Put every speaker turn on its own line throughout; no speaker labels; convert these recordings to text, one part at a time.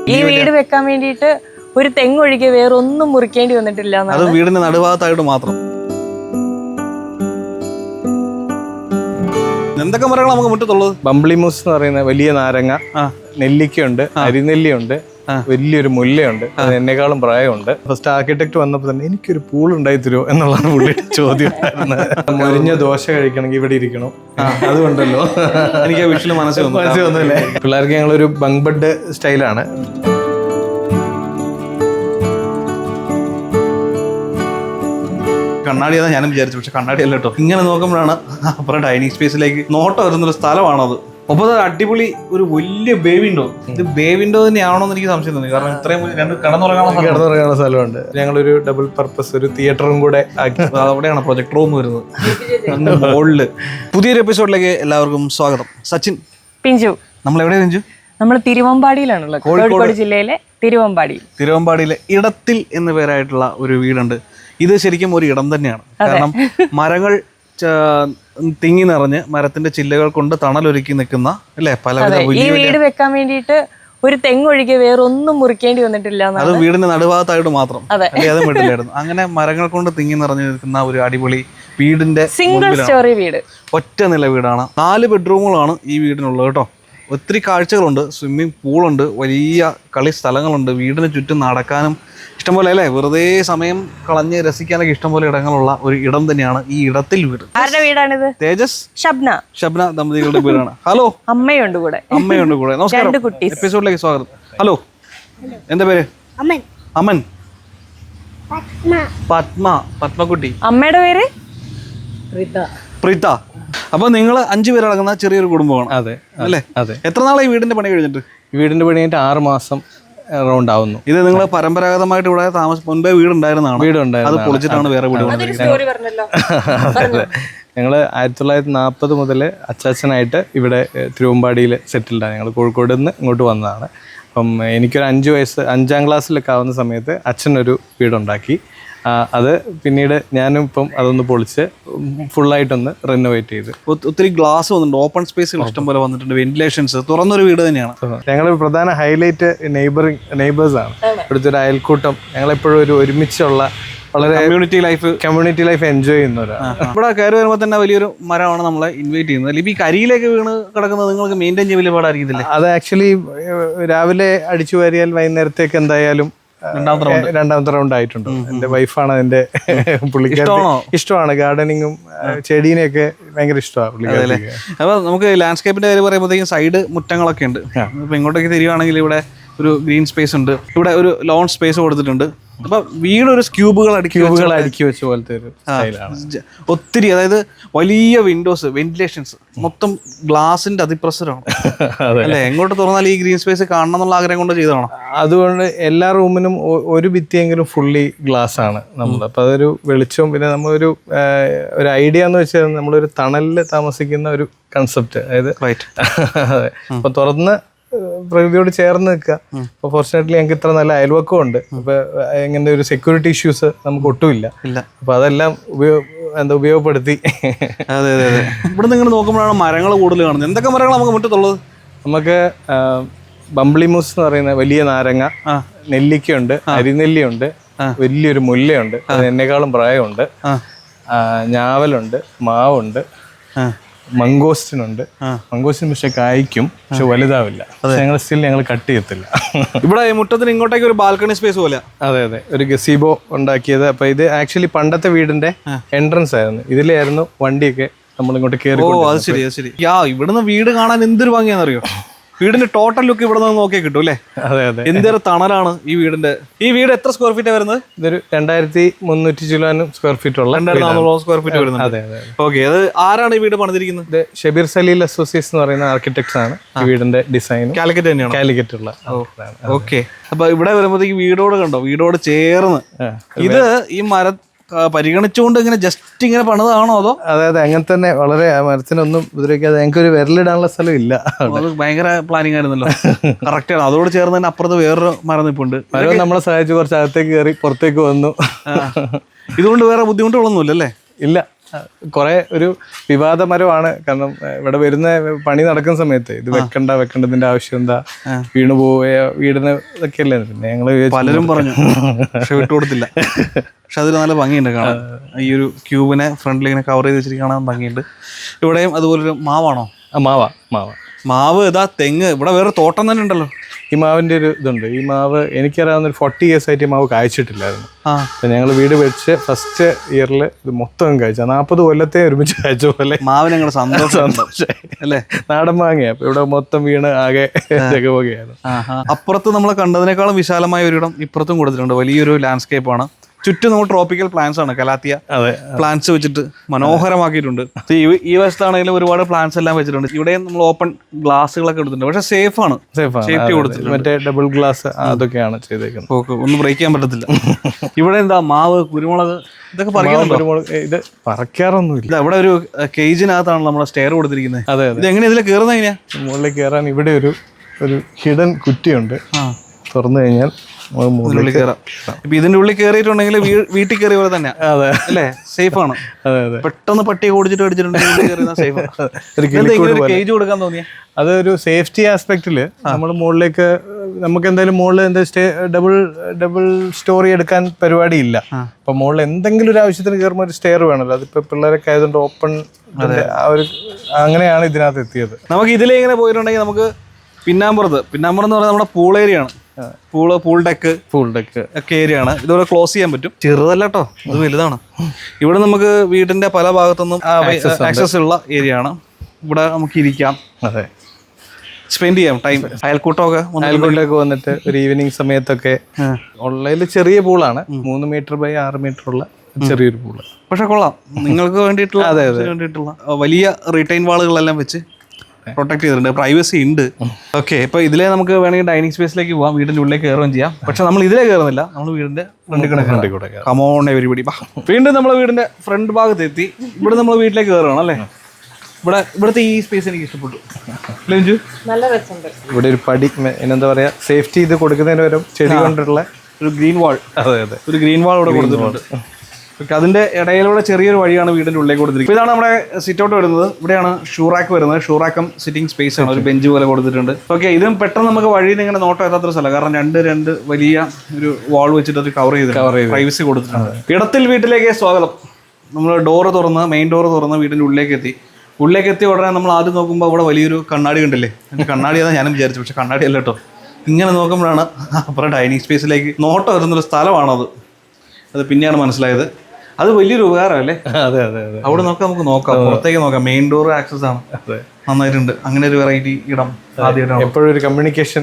ഈ വീട് വെക്കാൻ വേണ്ടിയിട്ട് ഒരു തെങ്ങൊഴികെ വേറെ ഒന്നും മുറിക്കേണ്ടി വന്നിട്ടില്ല.
അത് വീടിന്റെ നടുഭാഗത്തായിട്ട് മാത്രം. എന്തൊക്കെ മരങ്ങൾ നമുക്ക് മുറ്റത്തുള്ളത്?
ബംബ്ലിമൂസ് എന്ന് പറയുന്ന വലിയ നാരങ്ങ, നെല്ലിക്കയുണ്ട്, അരിനെല്ലിയുണ്ട്, വലിയൊരു മുല്ലയുണ്ട്, അത് എന്നെക്കാളും പ്രായമുണ്ട്. ഫസ്റ്റ് ആർക്കിടെക്ട് വന്നപ്പോൾ തന്നെ എനിക്കൊരു പൂൾ ഉണ്ടായി തരുമോ എന്നുള്ളതാണ് പുള്ളിയുടെ ചോദ്യം. മുരിഞ്ഞ ദോശ കഴിക്കണമെങ്കിൽ ഇവിടെ ഇരിക്കണം, അതുകൊണ്ടല്ലോ
എനിക്ക് വിഷയം മനസ്സിൽ
വന്നില്ലേ. പിള്ളേർക്ക് ഞങ്ങളൊരു ബങ്ക് ബെഡ് സ്റ്റൈലാണ്.
കണ്ണാടി അതാ ഞാനും വിചാരിച്ചു, പക്ഷെ കണ്ണാടി അല്ല കേട്ടോ. ഇങ്ങനെ നോക്കുമ്പോഴാണ് അപ്പുറം ഡൈനിങ് സ്പേസിലേക്ക് നോട്ടം വരുന്നൊരു സ്ഥലമാണത്. ഒപ്പം അടിപൊളി ഒരു വലിയ ബേ വിൻഡോ. ഇത് ബേ വിൻഡോ തന്നെയാണോ എന്ന് എനിക്ക് സംശയം തോന്നി. കാരണം ഇത്രയും രണ്ട്
കിടന്നുറങ്ങാനുള്ള സ്ഥലമുണ്ട്. ഞങ്ങളൊരു ഡബിൾ പർപ്പസ് ഒരു തിയേറ്ററും കൂടെ ആക്കി.
അവിടെയാണ് പ്രൊജക്ടർ റൂം വരുന്നത് മുകളില്. പുതിയൊരു എപ്പിസോഡിലേക്ക് എല്ലാവർക്കും സ്വാഗതം. സച്ചിൻ,
പിഞ്ചു.
നമ്മൾ എവിടെയാ പിഞ്ചു?
നമ്മൾ തിരുവമ്പാടിയിലാണുള്ളത്, കോഴിക്കോട് ജില്ലയിലെ തിരുവമ്പാടിയിലെ
ഇടത്തിൽ എന്ന പേരായിട്ടുള്ള ഒരു വീടുണ്ട്. ഇത് ശരിക്കും ഒരു ഇടം തന്നെയാണ്. കാരണം മരങ്ങൾ തിങ്ങി നിറഞ്ഞ് മരത്തിന്റെ ചില്ലകൾ കൊണ്ട് തണലൊരുക്കി നിൽക്കുന്ന അല്ലെ പലവിധ.
ഈ വീട് വെക്കാൻ വേണ്ടിയിട്ട് ഒരു തെങ്ങൊഴികെ വേറെ ഒന്നും മുറിക്കേണ്ടി വന്നിട്ടില്ല.
അത് വീടിന്റെ നടുഭാഗത്തായിട്ട് മാത്രം, അതും വീട്ടിലായിരുന്നു. അങ്ങനെ മരങ്ങൾ കൊണ്ട് തിങ്ങി നിറഞ്ഞു നിൽക്കുന്ന ഒരു അടിപൊളി വീടിന്റെ
സിംഗിൾ സ്റ്റോറി വീട്,
ഒറ്റ നില വീടാണ്. 4 ബെഡ്റൂമുകളാണ് ഈ വീടിനുള്ളത് കേട്ടോ. ഒത്തിരി കാഴ്ചകളുണ്ട്. സ്വിമ്മിംഗ് പൂളുണ്ട്, വലിയ കളി സ്ഥലങ്ങളുണ്ട്, വീടിന് ചുറ്റും നടക്കാനും ഇഷ്ടംപോലെ അല്ലേ, വെറുതെ സമയം കളഞ്ഞ് രസിക്കാനൊക്കെ ഇഷ്ടംപോലെ ഇടങ്ങളുള്ള ഒരു ഇടം തന്നെയാണ് ഈ ഇടത്തിൽ വീട്.
ആരുടെ വീടാണിത്?
തേജസ്, ഷബ്ന ദമ്പതികളുടെ വീടാണ്. ഹലോ,
അമ്മയുണ്ട് കൂടെ.
നമസ്കാരം, എപ്പിസോഡിലേക്ക് സ്വാഗതം. ഹലോ, എന്താ പേര്? അമൻ. പത്മകുട്ടി.
അമ്മയുടെ പേര്
പ്രീത. അപ്പൊ നിങ്ങൾ 5 പേരടങ്ങുന്ന ചെറിയൊരു കുടുംബമാണ്.
അതെ
അല്ലേ?
അതെ.
എത്ര നാളെ ഈ വീടിന്റെ പണി കഴിഞ്ഞിട്ട്?
വീടിന്റെ പണി കഴിഞ്ഞിട്ട് 6 മാസം റൗണ്ട് ആവുന്നു.
ഇത് നിങ്ങൾ പരമ്പരാഗതമായിട്ട് ഇവിടെ മുൻപേ വീടുണ്ടായിരുന്നതാണ്? അത് പൊളിച്ചിട്ടാണ് വേറെ വീട്
പറഞ്ഞല്ലോ.
ഞങ്ങള് 1940 മുതൽ അച്ചാച്ചനായിട്ട് ഇവിടെ തിരുവമ്പാടിയിൽ സെറ്റിൽഡാണ്. ഞങ്ങൾ കോഴിക്കോട് നിന്ന് ഇങ്ങോട്ട് വന്നതാണ്. അപ്പം എനിക്കൊരു 5 വയസ്സ് 5ാം ക്ലാസ്സിലൊക്കെ ആവുന്ന സമയത്ത് അച്ഛനൊരു വീടുണ്ടാക്കി. അത് പിന്നീട് ഞാനും ഇപ്പം അതൊന്ന് പൊളിച്ച് ഫുള്ളായിട്ടൊന്ന് റിനോവേറ്റ് ചെയ്ത്.
ഒത്തിരി ഗ്ലാസ് വന്നിട്ടുണ്ട്, ഓപ്പൺ സ്പേസുകൾ ഇഷ്ടംപോലെ വന്നിട്ടുണ്ട്, വെന്റിലേഷൻസ്, തുറന്നൊരു വീട് തന്നെയാണ്.
ഞങ്ങൾ പ്രധാന ഹൈലൈറ്റ് നെയ്ബേഴ്സാണ്. ഇവിടുത്തെ ഒരു അയൽക്കൂട്ടം. ഞങ്ങളെപ്പോഴും ഒരു ഒരുമിച്ചുള്ള വളരെ കമ്മ്യൂണിറ്റി ലൈഫ് എൻജോയ് ചെയ്യുന്നവരാണ്.
ഇവിടെ കയറി വരുമ്പോൾ തന്നെ വലിയൊരു മരമാണ് നമ്മളെ ഇൻവൈറ്റ് ചെയ്യുന്നത്. ഇപ്പൊ ഈ കരിയിലേക്ക് വീണ് കിടക്കുന്നത് നിങ്ങൾക്ക് മെയിൻറ്റെയിൻ ചെയ്യാൻ വലിയ പാടായിരിക്കത്തില്ലേ?
അത് ആക്ച്വലി രാവിലെ അടിച്ചു വാരിയാൽ വൈകുന്നേരത്തേക്ക് എന്തായാലും രണ്ടാമത്തെ റൗണ്ട് ആയിട്ടുണ്ട്. എന്റെ വൈഫാണ് അതിന്റെ. പുള്ളിക്കാരി ഇഷ്ടമാണ് ഗാർഡനിങ്ങും ചെടീനെയൊക്കെ ഭയങ്കര ഇഷ്ടമാണ് പുള്ളിക്കാരി.
അപ്പൊ നമുക്ക് ലാൻഡ്സ്കേപ്പിന്റെ കാര്യം പറയുമ്പോഴത്തേക്കും സൈഡ് മുറ്റങ്ങളൊക്കെ ഉണ്ട്. ഇപ്പൊ ഇങ്ങോട്ടേക്ക് തിരിയുവാണെങ്കിൽ ഇവിടെ ഒരു ഗ്രീൻ സ്പേസ് ഉണ്ട്, ഇവിടെ ഒരു ലോൺ സ്പേസ് കൊടുത്തിട്ടുണ്ട്. അപ്പൊ വീടൊരു ക്യൂബുകൾ
അടുക്കി വെച്ച പോലത്തെ ഒരു സ്റ്റൈലാണ്.
ഒത്തിരി, അതായത് വലിയ വിൻഡോസ്, വെന്റിലേഷൻസ്, മൊത്തം ഗ്ലാസിന്റെ അതിപ്രസരമാണ് അല്ലെ. എങ്ങോട്ട് തുറന്നാൽ ഈ ഗ്രീൻ സ്പേസ് കാണണം എന്നുള്ള ആഗ്രഹം കൊണ്ട് ചെയ്തതാണ്.
അതുകൊണ്ട് എല്ലാ റൂമിനും ഒരു ഭിത്തിയെങ്കിലും ഫുള്ളി ഗ്ലാസ് ആണ് നമ്മൾ. അപ്പൊ അതൊരു വെളിച്ചവും പിന്നെ നമ്മളൊരു ഐഡിയ എന്ന് വെച്ചാൽ നമ്മളൊരു തണലിൽ താമസിക്കുന്ന ഒരു കൺസെപ്റ്റ്. അതായത് അപ്പൊ തുറന്ന് പ്രകൃതിയോട് ചേർന്ന് നിൽക്കുക. അപ്പൊ ഫോർച്ചുനേറ്റ്ലി ഞങ്ങൾക്ക് ഇത്ര നല്ല അയൽവക്കം ഉണ്ട്. അപ്പൊ ഇങ്ങനെ ഒരു സെക്യൂരിറ്റി ഇഷ്യൂസ് നമുക്ക് ഒട്ടുമില്ല. അപ്പൊ അതെല്ലാം ഉപയോഗപ്പെടുത്തി.
അതെ അതെ അതെ. ഇവിടെ നിങ്ങൾ നോക്കുമ്പോഴാണ് മരങ്ങൾ കൂടുതൽ കാണുന്നത്. എന്തൊക്കെ മരങ്ങൾ നമുക്ക് മുറ്റത്തുള്ളത്?
നമുക്ക് ബംബ്ലിമൂസ് എന്ന് പറയുന്ന വലിയ നാരങ്ങ, നെല്ലിക്കയുണ്ട്, അരിനെല്ലിയുണ്ട്, വലിയൊരു മുല്ലയുണ്ട്, അത് എന്നെക്കാളും പ്രായമുണ്ട്, ഞാവലുണ്ട്, മാവുണ്ട്, മംഗോസ്റ്റിനുണ്ട്. മംഗോസ്റ്റിൻ പക്ഷെ കായ്ക്കും, പക്ഷെ വലുതാവില്ല. ഞങ്ങൾ കട്ട് ചെയ്യത്തില്ല.
ഇവിടെ മുറ്റത്തിന് ഇങ്ങോട്ടേക്ക് ഒരു ബാൽക്കണി സ്പേസ് പോലെ.
അതെ അതെ, ഒരു ഗസീബോ ഉണ്ടാക്കിയത്. അപ്പൊ ഇത് ആക്ച്വലി പണ്ടത്തെ വീടിന്റെ എൻട്രൻസ് ആയിരുന്നു. ഇതിലായിരുന്നു വണ്ടിയൊക്കെ നമ്മൾ ഇങ്ങോട്ട് കയറി.
ഓ, അത് ശരി, അത് ശരി. ഇവിടുന്ന് വീട് കാണാൻ എന്തൊരു ഭംഗിയാണെന്നറിയോ? വീടിന്റെ ടോട്ടൽ ലുക്ക് ഇവിടെ നിന്ന് നോക്കിയാൽ കിട്ടും അല്ലേ?
അതെ അതെ.
എന്തൊരു തണലാണ് ഈ വീടിന്റെ. ഈ വീട് എത്ര സ്ക്വയർ ഫീറ്റ് വരുന്നത്?
ഇതൊരു 2300 സ്ക്വയർ ഫീറ്റ് ഉള്ള
2400 സ്ക്വയർ ഫീറ്റ് വരുന്നത്.
അതെ അതെ.
ഓക്കെ, അത് ആരാണ് ഈ വീട് പണിതിരിക്കുന്നത്?
ഇത് ഷബീർ സലീൽ അസോസിയേറ്റ്സ് എന്ന് പറയുന്ന ആർക്കിടെക്ട്സ് ആണ് ഈ വീടിന്റെ ഡിസൈൻ.
കാലിക്കറ്റ് തന്നെയാണ്?
കാലിക്കറ്റ് ഉള്ള.
ഓക്കെ. അപ്പൊ ഇവിടെ വരുമ്പോഴത്തേക്ക് വീടോട് കണ്ടോ, വീടോട് ചേർന്ന് ഇത് ഈ മര പരിഗണിച്ചുകൊണ്ട് ഇങ്ങനെ ജസ്റ്റ് ഇങ്ങനെ പണിതാണോ അതോ?
അതെ അതെ, അങ്ങനെ തന്നെ. വളരെ മരത്തിനൊന്നും ഉപദ്രവിക്കാതെ ഞങ്ങൾക്ക് ഒരു വിരലിടാനുള്ള സ്ഥലം ഇല്ല.
അത് ഭയങ്കര പ്ലാനിങ് ആയിരുന്നല്ലോ. കറക്റ്റ് ആണ്. അതോട് ചേർന്ന് തന്നെ അപ്പുറത്ത് വേറൊരു മരം നിൽപ്പുണ്ട്.
മരം നമ്മളെ സഹായിച്ച് കുറച്ച് അകത്തേക്ക് കയറി പുറത്തേക്ക് വന്നു.
ഇതുകൊണ്ട് വേറെ ബുദ്ധിമുട്ടുകളൊന്നുമില്ല അല്ലേ?
ഇല്ല, കുറെ ഒരു വിവാദമരമാണ്. കാരണം ഇവിടെ വരുന്ന പണി നടക്കുന്ന സമയത്ത് ഇത് വെക്കേണ്ടതിന്റെ ആവശ്യം എന്താ, വീണ് പോവുക വീടിന് ഇതൊക്കെ അല്ലേ. പിന്നെ ഞങ്ങള്
പലരും പറഞ്ഞു, പക്ഷെ വിട്ടുകൊടുത്തില്ല. പക്ഷെ അതിൽ നല്ല ഭംഗിയുണ്ട് കാണാൻ. ഈ ഒരു ക്യൂബിനെ ഫ്രണ്ടിൽ ഇങ്ങനെ കവർ ചെയ്ത് വെച്ചിട്ട് കാണാൻ ഭംഗിയുണ്ട്. ഇവിടെയും അതുപോലൊരു മാവാണോ? മാവ് ഇതാ, തെങ്ങ്. ഇവിടെ വേറെ തോട്ടം തന്നെ ഉണ്ടല്ലോ.
ഈ മാവിന്റെ ഒരു ഇതുണ്ട്. ഈ മാവ് എനിക്കറിയാവുന്ന ഒരു 40 years ആയിട്ട് ഈ മാവ് കായ്ച്ചിട്ടില്ലായിരുന്നു. ഞങ്ങൾ വീട് വെച്ച് ഫസ്റ്റ് ഇയറിൽ ഇത് മൊത്തം കായ്ച്ച 40 കൊല്ലത്തെ ഒരുമിച്ച് കായ്ച്ച പോലെ
മാവിന് ഞങ്ങളുടെ സന്തോഷം അല്ലേ.
നാടൻ മാങ്ങയാ. അപ്പൊ ഇവിടെ മൊത്തം വീണ് ആകെ ജഗപോകയാണ്.
അപ്പുറത്ത് നമ്മൾ കണ്ടതിനേക്കാളും വിശാലമായ ഒരിടം ഇപ്പുറത്തും കൊടുത്തിട്ടുണ്ട്. വലിയൊരു ലാൻഡ്സ്കേപ്പ് ആണ്. ചുറ്റും നമ്മൾ ട്രോപ്പിക്കൽ പ്ലാന്റ്സ് ആണ്, കലാത്തിയ പ്ലാന്റ്സ് വെച്ചിട്ട് മനോഹരമാക്കിയിട്ടുണ്ട്. ഈ വശത്താണെങ്കിലും ഒരുപാട് പ്ലാന്റ്സ് എല്ലാം വെച്ചിട്ടുണ്ട്. ഇവിടെയും നമ്മൾ ഓപ്പൺ ഗ്ലാസുകളൊക്കെ എടുത്തിട്ടുണ്ട്. പക്ഷെ സേഫ് ആണ്, സേഫ്റ്റി കൊടുത്തിട്ടുണ്ട്.
മറ്റേ ഡബിൾ ഗ്ലാസ് അതൊക്കെയാണ് ചെയ്തേക്കുന്നത്.
ഓക്കെ, ഒന്നും ബ്രേക്ക് ചെയ്യാൻ പറ്റത്തില്ല. ഇവിടെ എന്താ, മാവ്, കുരുമുളക് ഇതൊക്കെ പറിക്കുന്നുണ്ടോ?
ഇത് പറിക്കാറൊന്നുമില്ല.
ഇവിടെ ഒരു കേജിനകത്താണ് നമ്മുടെ സ്റ്റെയർ കൊടുത്തിരിക്കുന്നത്.
അതെ,
ഇത് എങ്ങനെയാ ഇതിൽ കയറുന്നത്? എങ്ങനെയാ
മുകളിലേക്ക് കയറാൻ ഇവിടെ ഒരു ഹിഡൻ കുറ്റിയുണ്ട്. തുറന്നു കഴിഞ്ഞാൽ
ഉള്ളിൽ കയറാം. ഇപ്പൊ ഇതിന്റെ ഉള്ളിൽ കയറിയിട്ടുണ്ടെങ്കിൽ വീട്ടിൽ കയറിയ പോലെ തന്നെ അല്ലേ, സേഫ് ആണ്. പെട്ടെന്ന് പട്ടിയെ ഓടിച്ചിട്ട് കേജ് കൊടുക്കാൻ തോന്നിയ
അതൊരു സേഫ്റ്റി ആസ്പെക്റ്റില് നമ്മൾ മുകളിലേക്ക് നമുക്ക് എന്തായാലും മുകളിൽ ഡബിൾ സ്റ്റോറി എടുക്കാൻ പരിപാടിയില്ല. അപ്പൊ മുകളിൽ എന്തെങ്കിലും ഒരു ആവശ്യത്തിന് കയറുമ്പോൾ ഒരു സ്റ്റെയർ വേണമല്ലോ. അതിപ്പോ പിള്ളേരൊക്കെ ആയതുകൊണ്ട് ഓപ്പൺ അങ്ങനെയാണ് ഇതിനകത്ത് എത്തിയത്.
നമുക്ക് ഇതിലേ ഇങ്ങനെ പോയിട്ടുണ്ടെങ്കിൽ നമുക്ക് പിന്നാമ്പുറത്ത് എന്ന് പറഞ്ഞാൽ നമ്മുടെ പൂൾ ഏരിയ ആണ്. പൂൾ ഡെക്ക് ഒക്കെ ഏരിയ ആണ്. ഇതുപോലെ ക്ലോസ് ചെയ്യാൻ പറ്റും. ചെറുതല്ല കേട്ടോ, ഇത് വലുതാണ്. ഇവിടെ നമുക്ക് വീടിന്റെ പല ഭാഗത്തുനിന്നും ആക്സസ് ഉള്ള ഏരിയ ആണ്. ഇവിടെ നമുക്ക് ഇരിക്കാം, സ്പെൻഡ് ചെയ്യാം ടൈം.
അയൽക്കൂട്ടമൊക്കെ വന്നിട്ട് ഒരു ഈവനിങ് സമയത്തൊക്കെ. ഉള്ളതിൽ ചെറിയ പൂളാണ്, 3 മീറ്റർ ബൈ 6 മീറ്റർ ഉള്ള ചെറിയൊരു പൂള്.
പക്ഷെ കൊള്ളാം, നിങ്ങൾക്ക് വേണ്ടിയിട്ടുള്ള വലിയ റീറ്റെയിൻ വാളുകളെല്ലാം വെച്ച് പ്രൊട്ടക്ട് ചെയ്തിട്ടുണ്ട്. പ്രൈവസി ഉണ്ട്. ഓക്കെ, ഇപ്പൊ ഇതിലെ നമുക്ക് വേണമെങ്കിൽ ഡൈനിങ് സ്പേസിലേക്ക് പോവാം, വീടിന്റെ ഉള്ളിലേക്ക് കയറുകയും ചെയ്യാം. പക്ഷെ നമ്മൾ ഇതിലേ കയറുന്നില്ല, നമ്മൾ വീടിന്റെ ഫ്രണ്ടിൽ കൂടെ കമോൺ എവരിബഡി. വീണ്ടും നമ്മൾ വീടിന്റെ ഫ്രണ്ട് ഭാഗത്ത് എത്തി. ഇവിടെ നമ്മൾ വീട്ടിലേക്ക് കയറുകയാണ് അല്ലേ. ഇവിടുത്തെ ഈ സ്പേസ് എനിക്ക് ഇഷ്ടപ്പെട്ടു.
നല്ല രസമുണ്ട്.
ഇവിടെ ഒരു പടി, എന്താ പറയാ, സേഫ്റ്റി ഇത് കൊടുക്കുന്നതിന് പകരം ചെടി കൊണ്ടുള്ള
ഒരു ഗ്രീൻ വാൾ. ഒരു ഗ്രീൻ വാൾ ഇവിടെ കൊടുത്തിട്ടുണ്ട്. അതിന്റെ ഇടയിലൂടെ ചെറിയൊരു വഴിയാണ് വീടിന്റെ ഉള്ളിലേക്ക് കൊടുത്തിരിക്കുന്നത്. ഇതാണ് നമ്മുടെ സിറ്റ് ഔട്ട് വരുന്നത്. ഇവിടെയാണ് ഷൂറാക്ക് വരുന്നത്. ഷൂറാക്കം സിറ്റിംഗ് സ്പേസ് ആണ്, ഒരു ബെഞ്ച് പോലെ കൊടുത്തിട്ടുണ്ട്. ഓക്കെ, ഇതും പെട്ടെന്ന് നമുക്ക് വഴിയിൽ ഇങ്ങനെ നോട്ടം എത്താത്തൊരു സ്ഥലം. കാരണം രണ്ട് വലിയ ഒരു വാൾ വെച്ചിട്ട് അത് കവർ ചെയ്ത് പ്രൈവസി കൊടുത്തിട്ടുണ്ട്. ഇടത്തിൽ വീട്ടിലേക്ക് സ്വാഗതം. നമ്മൾ മെയിൻ ഡോറ് തുറന്ന് വീടിന്റെ ഉള്ളിലേക്ക് എത്തി ഉടനെ നമ്മൾ ആദ്യം നോക്കുമ്പോൾ അവിടെ വലിയൊരു കണ്ണാടി കണ്ടില്ലേ. കണ്ണാടിയാണെന്ന് ഞാനും വിചാരിച്ചു, പക്ഷെ കണ്ണാടി അല്ല കേട്ടോ. ഇങ്ങനെ നോക്കുമ്പോഴാണ് അപ്പുറം ഡൈനിങ് സ്പേസിലേക്ക് നോട്ടം വരുന്നൊരു സ്ഥലമാണത്. അത് പിന്നെയാണ് മനസ്സിലായത്. അത് വലിയൊരു ഉപകാരമല്ലേ. അവിടെ നമുക്ക് നോക്കാം, പുറത്തേക്ക് നോക്കാം. മെയിൻ ഡോർ ആക്സസ് ആണ്, നന്നായിട്ടുണ്ട്. അങ്ങനെ ഒരു വെറൈറ്റി ഇടം ആദ്യമായിട്ടാണ്.
എപ്പോഴും ഒരു കമ്മ്യൂണിക്കേഷൻ.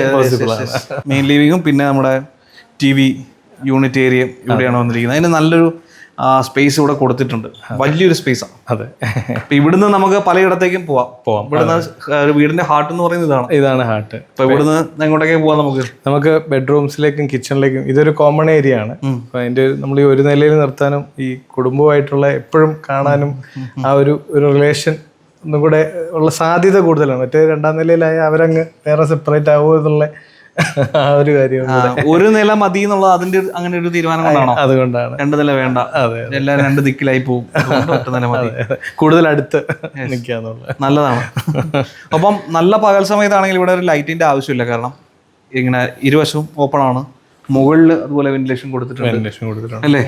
മെയിൻ ലിവിങ്ങും പിന്നെ നമ്മുടെ TV യൂണിറ്റ് ഏരിയ ഇവിടെയാണ് വന്നിരിക്കുന്നത്. അതിന് നല്ലൊരു സ്പേസ് ഇവിടെ കൊടുത്തിട്ടുണ്ട്, വലിയൊരു സ്പേസാണ്. ഇവിടുന്ന് നമുക്ക് പലയിടത്തേക്കും പോവാം. ഇവിടുന്ന് വീടിന്റെ ഹാർട്ട് എന്ന് പറയുന്നത്
ഇതാണ് ഹാർട്ട്.
അപ്പൊ ഇവിടുന്ന് എങ്ങോട്ടേക്ക് പോവാം? നമുക്ക്
ബെഡ്റൂംസിലേക്കും കിച്ചണിലേക്കും. ഇതൊരു കോമൺ ഏരിയ ആണ്. അപ്പൊ അതിന്റെ നമ്മൾ ഈ ഒരു നിലയിൽ നിർത്താനും ഈ കുടുംബമായിട്ടുള്ള എപ്പോഴും കാണാനും ആ ഒരു റിലേഷൻ ഒന്നും കൂടെ ഉള്ള സാധ്യത കൂടുതലാണ്. മറ്റേ 2ാം നിലയിലായ അവരങ്ങ് വേറെ സെപ്പറേറ്റ് ആവുമോ എന്നുള്ള ആ ഒരു കാര്യം.
ഒരു നില മതി എന്നുള്ള അതിന്റെ അങ്ങനെ ഒരു തീരുമാനം കൊണ്ടാണോ?
അതുകൊണ്ടാണ്
2 നില വേണ്ട, എല്ലാവരും 2 ദിക്കിലായി പോകും. ഒറ്റ നില മതി,
കൂടുതൽ അടുത്ത് നിൽക്കാന്നുള്ളത്
നല്ലതാണ്. അപ്പം നല്ല പകൽ സമയത്താണെങ്കിൽ ഇവിടെ ഒരു ലൈറ്റിന്റെ ആവശ്യമില്ല. കാരണം ഇങ്ങനെ ഇരുവശവും ഓപ്പൺ ആണ്. മുകളിൽ അതുപോലെ വെന്റിലേഷൻ കൊടുത്തിട്ടുണ്ട് അല്ലേ.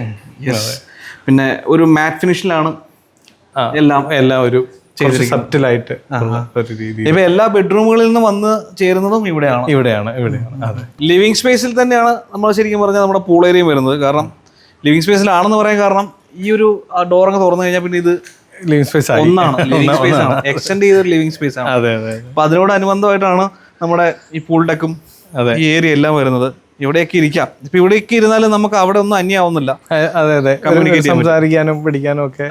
പിന്നെ ഒരു മാറ്റ് ഫിനിഷിലാണ് എല്ലാം ഒരു സബ്റ്റിലായിട്ട് ഒരു രീതി. ഇപ്പൊ എല്ലാ ബെഡ്റൂമുകളിൽ നിന്ന് വന്ന് ചേരുന്നതും ഇവിടെയാണ്. ലിവിങ് സ്പേസിൽ തന്നെയാണ് നമ്മൾ ശരിക്കും പറഞ്ഞാൽ നമ്മുടെ പൂൾ ഏരിയയും വരുന്നത്. കാരണം ലിവിങ് സ്പേസിലാണെന്ന് പറയാൻ കാരണം ഈ ഒരു ഡോറൊക്കെ തുറന്നു കഴിഞ്ഞാൽ പിന്നെ ഇത്
ലിവിങ് സ്പേസ്
ഒന്നാണ്, ലിവിങ് സ്പേസ് ആണ്, എക്സ്റ്റെൻഡ് ചെയ്തൊരു ലിവിങ് സ്പേസ് ആണ്. അപ്പൊ അതിനോടനുബന്ധമായിട്ടാണ് നമ്മുടെ ഈ പൂൾ ഡെക്കും ഈ ഏരിയ എല്ലാം വരുന്നത്. ഇവിടെയൊക്കെ ഇരിക്കാം. ഇപ്പൊ ഇവിടെയൊക്കെ ഇരുന്നാലും നമുക്ക് അവിടെ ഒന്നും അന്യാവുന്നില്ല.
സംസാരിക്കാനും പഠിക്കാനും ഒക്കെ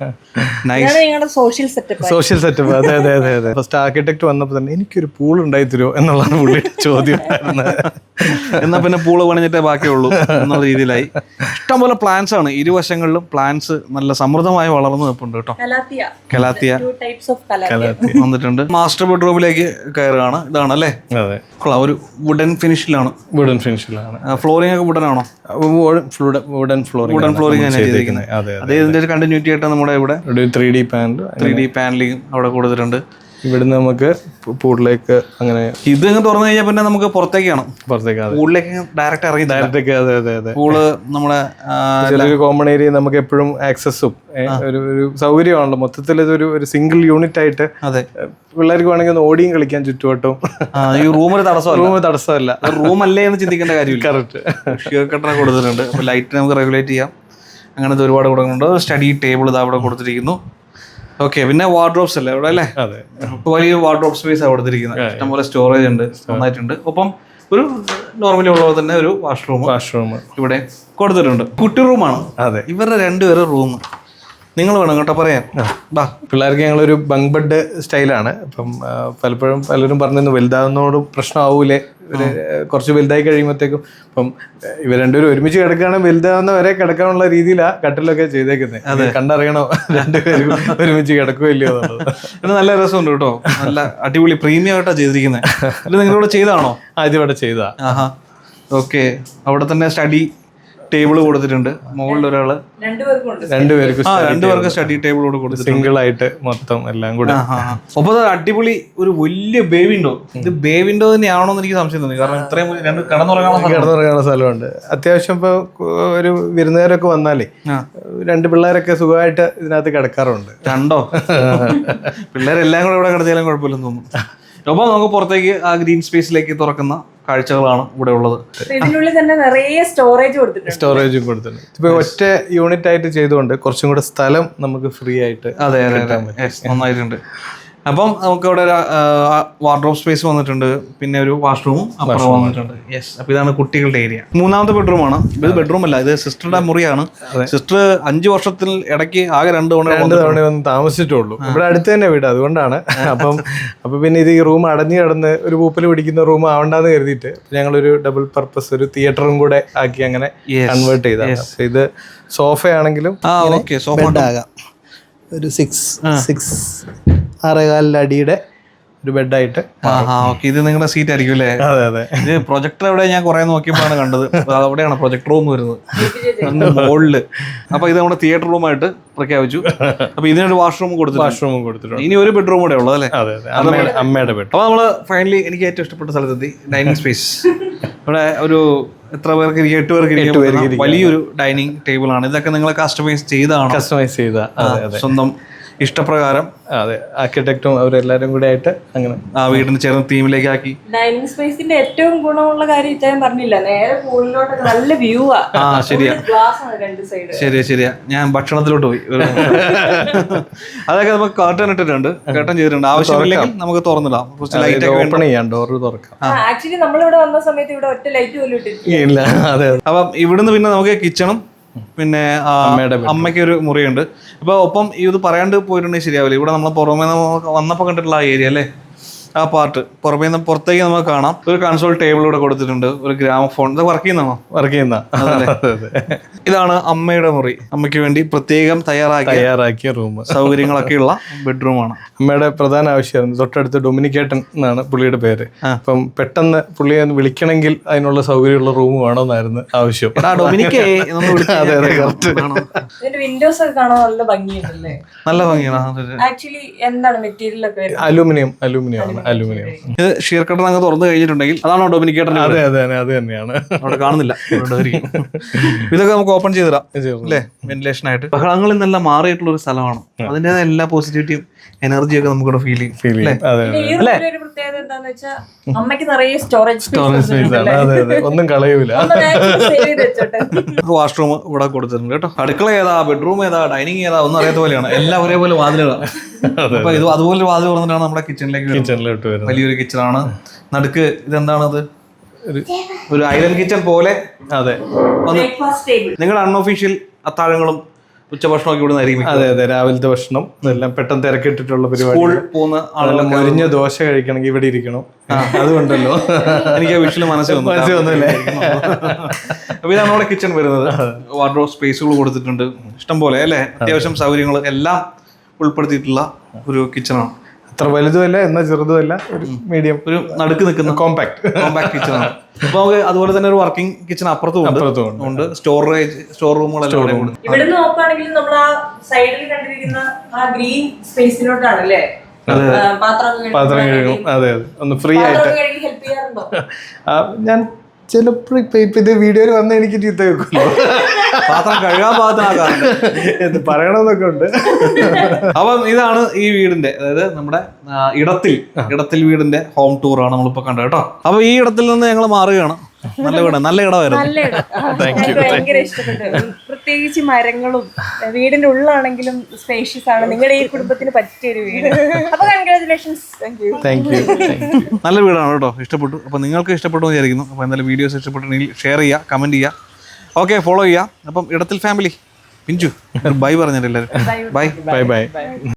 സോഷ്യൽ
സെറ്റപ്പ്. അതെ. ഫസ്റ്റ് ആർക്കിടെക്ട് വന്നപ്പോ തന്നെ എനിക്കൊരു പൂൾ ഉണ്ടായി തരുമോ എന്നുള്ളതാണ് പുള്ളിയുടെ ചോദ്യം.
എന്നാ പിന്നെ പൂള് പണിഞ്ഞിട്ടേ ബാക്കിയുള്ളൂ എന്നുള്ള രീതിയിലായി. ഇഷ്ടംപോലെ പ്ലാന്റ്സ് ആണ്, ഇരുവശങ്ങളിലും പ്ലാന്റ്സ് നല്ല സമൃദ്ധമായി വളർന്നു നിൽപ്പുണ്ട് കേട്ടോ. കലാത്തിയ വന്നിട്ടുണ്ട്. മാസ്റ്റർ ബെഡ്റൂമിലേക്ക് കയറുകയാണ്. ഇതാണ് അല്ലേ, ഒരു വുഡൻ ഫിനിഷിലാണ്.
ഫിനിഷിലാണ്.
ഫ്ലോറിംഗ് ഒക്കെ വുഡനാണോ?
വുഡൻ
ഫ്ലോറിംഗ് ചെയ്തിരിക്കുന്നത്.
അതെ,
അതേ ഇതിന്റെ ഒരു കണ്ടിന്യൂറ്റി ആയിട്ട് നമ്മുടെ ഇവിടെ
ഒരു 3D പാനൽ,
3D പാനലിംഗ് അവിടെ കൊടുത്തിട്ടുണ്ട്.
ഇവിടുന്ന് നമുക്ക് പൂളിലേക്ക് അങ്ങനെ
ഇത് അങ്ങ് തുറന്നു കഴിഞ്ഞാൽ പിന്നെ നമുക്ക് പുറത്തേക്കാണ്,
പുറത്തേക്ക്
പൂളിലേക്ക് ഡയറക്റ്റ് ഇറങ്ങി
ഡയറക്റ്റ്. അതെ അതെ അതെ.
പൂള് നമ്മുടെ
ചെറിയൊരു കോമൺ ഏരിയ നമുക്ക് എപ്പോഴും ആക്സസും ഒരു സൗകര്യമാണല്ലോ. മൊത്തത്തിൽ ഇതൊരു സിംഗിൾ യൂണിറ്റ് ആയിട്ട്
അതെ
പിള്ളേർക്ക് വേണമെങ്കിൽ ഒന്ന് ഓടിയും കളിക്കാൻ ചുറ്റുവട്ടവും.
ഈ റൂം
തടസ്സമല്ല,
റൂം അല്ലേ എന്ന് ചിന്തിക്കേണ്ട കാര്യമില്ല.
കറക്റ്റ്.
ഷിയർ കട്ടർ കൊടുത്തിട്ടുണ്ട്. അപ്പോൾ ലൈറ്റ് നമുക്ക് റെഗുലേറ്റ് ചെയ്യാം. അങ്ങനത്തെ ഒരുപാട് കൊടുക്കുന്നുണ്ട്. സ്റ്റഡി ടേബിൾ ഇതാ അവിടെ കൊടുത്തിരിക്കുന്നു. ഓക്കെ, പിന്നെ വാർഡ്രോബ്സ് അല്ലേ അവിടെ അല്ലേ?
അതെ,
വലിയ വാർഡ്രോബ് സ്പേസ് ആണ് കൊടുത്തിരിക്കുന്നത്. ഇഷ്ടംപോലെ സ്റ്റോറേജ് ഉണ്ട്, നന്നായിട്ടുണ്ട്. ഒപ്പം ഒരു നോർമലി ഉള്ളത് തന്നെ ഒരു വാഷ്റൂം ഇവിടെ കൊടുത്തിട്ടുണ്ട്. കുട്ടി റൂമാണ്.
അതെ,
ഇവരുടെ രണ്ടുപേരും റൂം നിങ്ങൾ വേണം കേട്ടോ പറയാൻ.
പിള്ളേർക്ക് ഞങ്ങളൊരു ബങ്ക് ബെഡ് സ്റ്റൈലാണ്. അപ്പം പലപ്പോഴും പലരും പറഞ്ഞു വലുതാവുന്നതോടും പ്രശ്നമാവൂലേ, കുറച്ച് വലുതായി കഴിയുമ്പോഴത്തേക്കും. അപ്പം ഇവർ രണ്ടുപേരും ഒരുമിച്ച് കിടക്കുകയാണെങ്കിൽ വലുതാവുന്ന വരെ കിടക്കാനുള്ള രീതിയിലാണ് കട്ടിലൊക്കെ ചെയ്തേക്കുന്നത്. കണ്ടറിയണോ രണ്ടുപേരും ഒരുമിച്ച് കിടക്കുകയോ ഇല്ലയോ എന്നുള്ളത്.
ഇത് നല്ല രസമുണ്ട് കേട്ടോ, നല്ല അടിപൊളി പ്രീമിയം ആയിട്ടാണ് ചെയ്തിരിക്കുന്നത്. ഇത് നിങ്ങളിവിടെ ചെയ്താണോ?
ഇതിവിടെ ചെയ്താ.
ഓക്കെ, അവിടെ തന്നെ സ്റ്റഡി ടേബിൾ കൊടുത്തിട്ടുണ്ട്. മുകളിൽ ഒരാള് രണ്ടുപേർക്ക് സ്റ്റഡി ടേബിൾ കൂടെ കൊടുത്തിട്ടുണ്ട്.
സിംഗിൾ ആയിട്ട് മൊത്തം എല്ലാം കൂടെ.
അപ്പൊ അടിപൊളി ഒരു വലിയ ബേ വിൻഡോ. ഇത് ബേ വിൻഡോ തന്നെയാണോ എന്ന് എനിക്ക് സംശയം തോന്നി. കാരണം ഇത്രയും രണ്ട്
കിടന്നുറങ്ങാനുള്ള സ്ഥലമുണ്ട്. അത്യാവശ്യം ഇപ്പൊ ഒരു വിരുന്നുകാരൊക്കെ വന്നാലേ രണ്ട് പിള്ളേരൊക്കെ സുഖമായിട്ട് ഇതിനകത്ത് കിടക്കാറുണ്ട്.
രണ്ടോ പിള്ളേരെല്ലാം കൂടെ ഇവിടെ കിടത്തിയാലും കുഴപ്പമില്ലെന്ന് തോന്നുന്നു. അപ്പോൾ നമുക്ക് പുറത്തേക്ക് ആ ഗ്രീൻ സ്പേസിലേക്ക് തുറക്കുന്ന കാഴ്ചകളാണ് ഇവിടെ ഉള്ളത്.
ഇതിനുള്ളിൽ തന്നെ നിറയെ സ്റ്റോറേജും
കൊടുത്തിട്ടുണ്ട്. ഇപ്പൊ ഒറ്റ യൂണിറ്റ് ആയിട്ട് ചെയ്തുകൊണ്ട് കുറച്ചും കൂടെ സ്ഥലം നമുക്ക് ഫ്രീ ആയിട്ട്.
അതെ നന്നായിട്ടുണ്ട്. അപ്പം നമുക്ക് ഇവിടെ വാർഡ്രോബ് സ്പേസ് വന്നിട്ടുണ്ട്, പിന്നെ ഒരു വാഷ്റൂമും അപ്പുറം വന്നിട്ടുണ്ട്. യെസ്, അപ്പൊ ഇതാണ് കുട്ടികളുടെ ഏരിയ. മൂന്നാമത്തെ ബെഡ്റൂമാണ്. ഇത് ബെഡ്റൂം അല്ല, ഇത് സിസ്റ്ററുടെ മുറിയാണ്. സിസ്റ്റർ 5 വർഷത്തിൽ ഇടയ്ക്ക് ആകെ 2 തവണ
വന്ന് താമസിച്ചിട്ടുള്ളൂ. ഇവിടെ അടുത്ത് തന്നെ വീട്, അതുകൊണ്ടാണ്. അപ്പൊ പിന്നെ ഇത് ഈ റൂം അടഞ്ഞു കിടന്ന് ഒരു പൂപ്പൽ പിടിക്കുന്ന റൂം ആവണ്ടെന്ന് കരുതിയിട്ട് ഞങ്ങളൊരു ഡബിൾ പർപ്പസ് ഒരു തിയേറ്ററും കൂടെ ആക്കി അങ്ങനെ കൺവേർട്ട് ചെയ്താണ്. ഇത് സോഫയാണെങ്കിലും ഒരു 6.5 അടിയുടെ ഒരു ബെഡായിട്ട്.
ഇത് നിങ്ങളുടെ സീറ്റ് ആയിരിക്കും അല്ലേ?
അതെ അതെ.
ഇത് പ്രൊജക്ടർ എവിടെ ഞാൻ കുറെ നോക്കിയപ്പോഴാണ് കണ്ടത്. അവിടെയാണ് പ്രൊജക്ടർ റൂം വരുന്നത്, മുകളില്. അപ്പൊ ഇത് നമ്മുടെ തിയേറ്റർ റൂമായിട്ട് പ്രഖ്യാപിച്ചു. അപ്പൊ ഇതിനൊരു വാഷ്റൂം കൊടുത്തിട്ടുണ്ട്. ഇനി ഒരു ബെഡ്റൂം കൂടെ ഉള്ളത് അല്ലേ?
അമ്മയുടെ ബെഡ്.
അപ്പൊ നമ്മള് ഫൈനലി എനിക്ക് ഏറ്റവും ഇഷ്ടപ്പെട്ട സ്ഥലത്തെത്തി. Dining space. ഇവിടെ ഒരു എത്ര പേർക്ക് 8 പേർക്ക് വലിയൊരു ഡൈനിങ് ടേബിൾ ആണ്. ഇതൊക്കെ നിങ്ങൾ കസ്റ്റമൈസ് ചെയ്ത സ്വന്തം ഇഷ്ടപ്രകാരം.
അതെ, ആർക്കിടെക്റ്റും അവരെല്ലാരും കൂടെ ആയിട്ട് അങ്ങനെ
ആ വീടിന് ചേർന്ന തീമിലേക്ക് ആക്കി.
ഡൈനിങ് സ്പേസിന്റെ ഏറ്റവും ഗുണമുള്ള കാര്യം ഇച്ചാൻ പറഞ്ഞില്ല, നേരെ പൂളിലോട്ട് നല്ല വ്യൂ ആ.
ശരിയാ, ഞാൻ ഭക്ഷണത്തിലോട്ട് പോയി. അതൊക്കെ നമുക്ക് കർട്ടൻ ഇട്ടിട്ടുണ്ട്, കർട്ടൻ ചെയ്തിട്ടുണ്ട്. ആവശ്യമില്ലെങ്കിൽ നമുക്ക് തുറന്നിടാം,
ഓപ്പൺ ചെയ്യാം, ഡോറ് തുറക്കാം.
ആക്ച്വലി നമ്മളിവിടെ വന്ന സമയത്ത് ഇവിടെ ഒറ്റ ലൈറ്റ് പോലും ഇട്ടിട്ടില്ല.
അപ്പം ഇവിടുന്ന് പിന്നെ നമുക്ക് കിച്ചണും പിന്നെ അമ്മയ്ക്ക് ഒരു മുറിയുണ്ട്. അപ്പൊ ഒപ്പം ഇത് പറയാണ്ട് പോയിട്ടുണ്ടെങ്കിൽ ശരിയാവില്ല. ഇവിടെ നമ്മൾ പുറമേ വന്നപ്പോൾ കണ്ടിട്ടുള്ള ആ ഏരിയ അല്ലേ, ആ പാർട്ട് പുറത്തേക്ക് നമുക്ക് കാണാം. ഒരു കൺസോൾ ടേബിൾ ഇവിടെ കൊടുത്തിട്ടുണ്ട്, ഒരു ഗ്രാമഫോൺ. ഇത് വർക്ക് ചെയ്യുന്ന ഇതാണ് അമ്മയുടെ മുറി. അമ്മയ്ക്ക് വേണ്ടി പ്രത്യേകം തയ്യാറാക്കിയ റൂം, സൗകര്യങ്ങളൊക്കെ ഉള്ള ബെഡ്റൂമാണ്.
അമ്മയുടെ പ്രധാന ആവശ്യമായിരുന്നു, തൊട്ടടുത്ത് ഡൊമിനിക്കേട്ടൻ എന്നാണ് പുള്ളിയുടെ പേര്. അപ്പം പെട്ടെന്ന് പുള്ളിയെ ഒന്ന് വിളിക്കണമെങ്കിൽ അതിനുള്ള സൗകര്യമുള്ള റൂം വേണമെന്നായിരുന്നു ആവശ്യം.
വിൻഡോസ് ഒക്കെ കാണാൻ നല്ല ഭംഗിയുണ്ടല്ലേ?
നല്ല ഭംഗിയാണ്.
ആക്ച്വലി എന്താണ് മെറ്റീരിയൽ ഒക്കെ?
അലൂമിനിയം ആണ്.
ഇത് ഷീർ കട്ടർ അങ്ങ് തുറന്നു കഴിഞ്ഞിട്ടുണ്ടെങ്കിൽ അതാണോ ഡൊമിനിക്കേറ്റർ?
അതെ അത് തന്നെയാണ്.
അവിടെ കാണുന്നില്ല. ഇതൊക്കെ നമുക്ക് ഓപ്പൺ ചെയ്തിടാം അല്ലേ, വെന്റിലേഷൻ ആയിട്ട്. ബഹളങ്ങളിൽ നിന്നെല്ലാം മാറിയിട്ടുള്ള ഒരു സ്ഥലമാണ്. അതിൻ്റെതായ എല്ലാ പോസിറ്റിവിറ്റിയും എനർജിയൊക്കെ നമുക്കിവിടെ ഫീൽ ചെയ്യും.
പ്രത്യേകത എന്താന്ന് വെച്ചാൽ അമ്മയ്ക്ക് നിറയെ സ്റ്റോറേജ്
ഒന്നും കളയൂല.
വാഷ്റൂം ഇവിടെ കൊടുത്തിട്ടുണ്ട് കേട്ടോ. അടുക്കള ഏതാ, ബെഡ്റൂം ഏതാ, ഡൈനിങ് ഏതാ ഒന്നും അറിയാത്ത പോലെയാണ്. എല്ലാം ഒരേപോലെ വാതിലുകളാണ്. അപ്പൊ ഇത് അതുപോലെ വാതിൽ തുറന്നിട്ടാണ് നമ്മുടെ കിച്ചണിലോട്ട് വരുന്നത്. വലിയൊരു കിച്ചണാണ്. നടുക്ക് ഇതെന്താണത്, ഒരു ഐലൻഡ് കിച്ചൺ പോലെ. അതെ, നിങ്ങളുടെ അൺഒഫീഷ്യൽ അത്താഴങ്ങളും ഉച്ചഭക്ഷണമൊക്കെ ഇവിടെ നിന്നായിരിക്കും.
അതെ, രാവിലത്തെ ഭക്ഷണം ഇതെല്ലാം പെട്ടെന്ന് തിരക്കിട്ടിട്ടുള്ള പരിപാടി.
പോകുന്ന
ആളെല്ലാം മൊരിഞ്ഞ ദോശ കഴിക്കണമെങ്കിൽ ഇവിടെ ഇരിക്കണം. അതുകൊണ്ടല്ലോ
എനിക്ക് വിഷല് മനസ്സിൽ വന്നില്ലേ. അപ്പൊ ഇതാണ് നമ്മുടെ കിച്ചൺ വരുന്നത്. വാർഡ്രോബ് സ്പേസുകൾ കൊടുത്തിട്ടുണ്ട് ഇഷ്ടം പോലെ അല്ലേ, അത്യാവശ്യം സൗകര്യങ്ങൾ എല്ലാം ഉൾപ്പെടുത്തിയിട്ടുള്ള ഒരു കിച്ചണാണ്.
അത്ര വലുതുമല്ല എന്നാൽ ചെറുതുമല്ല, ഒരു മീഡിയം,
ഒരു നടുക്ക് നിൽക്കുന്ന
കോമ്പാക്ട്
കിച്ചൺ ആണ്. അപ്പൊ നമുക്ക് അതുപോലെ തന്നെ ഒരു വർക്കിംഗ് കിച്ചൺ അപ്പുറത്തും ഉണ്ട്. സ്റ്റോർ റൂമുകളെല്ലാം ഉണ്ട്.
ഇവിടെ നോക്കുകയാണെങ്കിൽ നമ്മൾ ആ സൈഡിൽ കണ്ടിരിക്കുന്ന ആ ഗ്രീൻ സ്പേസിലോട്ടാണ് അല്ലേ
പാത്രം കഴുകും. അതെ അതെ, ഒന്ന് ഫ്രീ ആയിട്ട്.
ഹെൽപ്പ് ചെയ്യാറുണ്ടോ?
ഞാൻ ചിലപ്പോൾ ഇപ്പൊ ഇത് വീഡിയോയിൽ വന്ന് എനിക്ക് ചീത്ത വെക്കുമല്ലോ,
പാത്രം കഴുകാൻ പാകത്തിനാക്കാറുണ്ട്
എന്ന് പറയണമെന്നൊക്കെ ഉണ്ട്.
അപ്പം ഇതാണ് ഈ വീടിന്റെ, അതായത് നമ്മുടെ ഇടത്തിൽ വീടിന്റെ ഹോം ടൂർ ആണ് നമ്മളിപ്പോ കണ്ടത് കേട്ടോ. അപ്പൊ ഈ ഇടത്തിൽ നിന്ന് ഞങ്ങൾ മാറുകയാണ്. നല്ല ഇടമായിരുന്നു.
നല്ല ഇടം. എനിക്ക് ഭയങ്കര ഇഷ്ടപ്പെട്ടു. പ്രത്യേകിച്ച് മരങ്ങളും വീടിന്റെ ഉള്ളാണെങ്കിലും സ്പേഷ്യസ് ആണ്. നിങ്ങളുടെ ഈ കുടുംബത്തിന് പറ്റിയൊരു വീട്. അപ്പൊ കൺഗ്രാറ്റുലേഷൻസ്.
Thank you.
നല്ല വീടാണ് കേട്ടോ, ഇഷ്ടപ്പെട്ടു. അപ്പൊ നിങ്ങൾക്ക് ഇഷ്ടപ്പെട്ടു എന്ന് വിചാരിക്കുന്നു. അപ്പൊ എന്തായാലും വീഡിയോസ് ഇഷ്ടപ്പെട്ടുണ്ടെങ്കിൽ ഷെയർ ചെയ്യുക, കമന്റ് ചെയ്യുക, ഓക്കെ, ഫോളോ ചെയ്യുക. അപ്പം ഇടത്തിൽ ഫാമിലി പിഞ്ചു ബൈ പറഞ്ഞിട്ട് എല്ലാവരും ബൈ.